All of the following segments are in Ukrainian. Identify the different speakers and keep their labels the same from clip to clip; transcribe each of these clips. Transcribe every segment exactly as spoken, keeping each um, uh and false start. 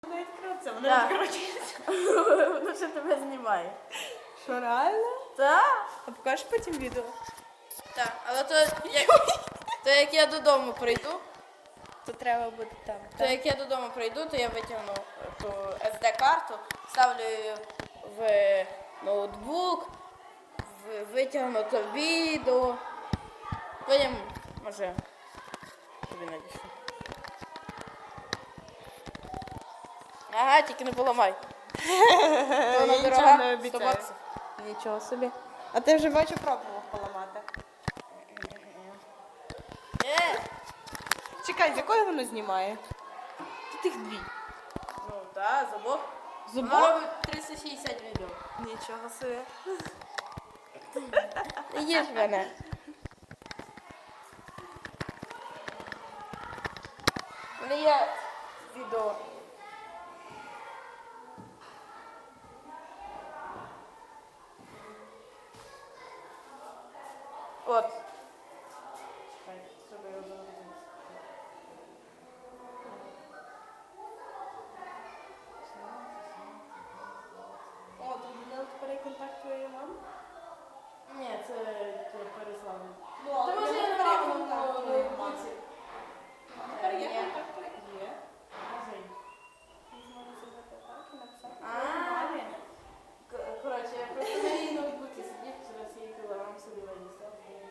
Speaker 1: Вона відкривається, вона
Speaker 2: Так.
Speaker 1: відкручується.
Speaker 2: Воно ще тебе знімає.
Speaker 1: Що, реально?
Speaker 2: Так?
Speaker 1: А покажеш потім відео?
Speaker 2: Так, але то як, то як я додому прийду,
Speaker 1: То треба буде там.
Speaker 2: то як я додому прийду, то я витягну ту ес де-карту, ставлю її в ноутбук, в- витягну то відео. Потім, може, тобі надішлю. Ага, тільки не поламай. Вона
Speaker 1: Я
Speaker 2: дорога,
Speaker 1: нічого не
Speaker 2: сто
Speaker 1: обіцяю.
Speaker 2: баксів.
Speaker 1: Нічого собі. А ти вже бачу пробував поламати.
Speaker 2: Е,
Speaker 1: Чекай, з якої воно знімає? Тут їх дві.
Speaker 2: ну так, зубок.
Speaker 1: Зубок?
Speaker 2: Вона робить триста шістдесят відео.
Speaker 1: Нічого собі.
Speaker 2: Їж мене. У мене є відео. От. Ай, щоб я його загрузив.
Speaker 1: О, тут буде тепер контакт твоєї мами?
Speaker 2: Ні, це переславлення.
Speaker 1: Ну,
Speaker 2: Та може я не мав на ноутбуці.
Speaker 1: Тепер є
Speaker 2: Ні.
Speaker 1: контакт твоєї? Є.
Speaker 2: Може й.
Speaker 1: Можна зробити так і написати.
Speaker 2: А, К- Коротше, я просто на її ноутбуці сидів, через її кілограм собі винесла.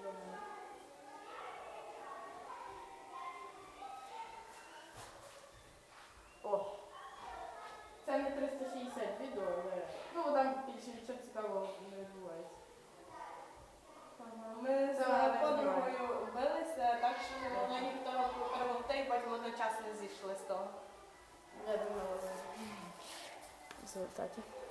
Speaker 2: О! Це не триста шістдесят відео, але ну там більше нічого цікавого не відбувається.
Speaker 1: Ага, Ми
Speaker 2: Це
Speaker 1: з
Speaker 2: вона так
Speaker 1: подругою билися, так що не могли ніхто перемогти, і потім одночасно зійшли з того.
Speaker 2: Я думала, в результаті.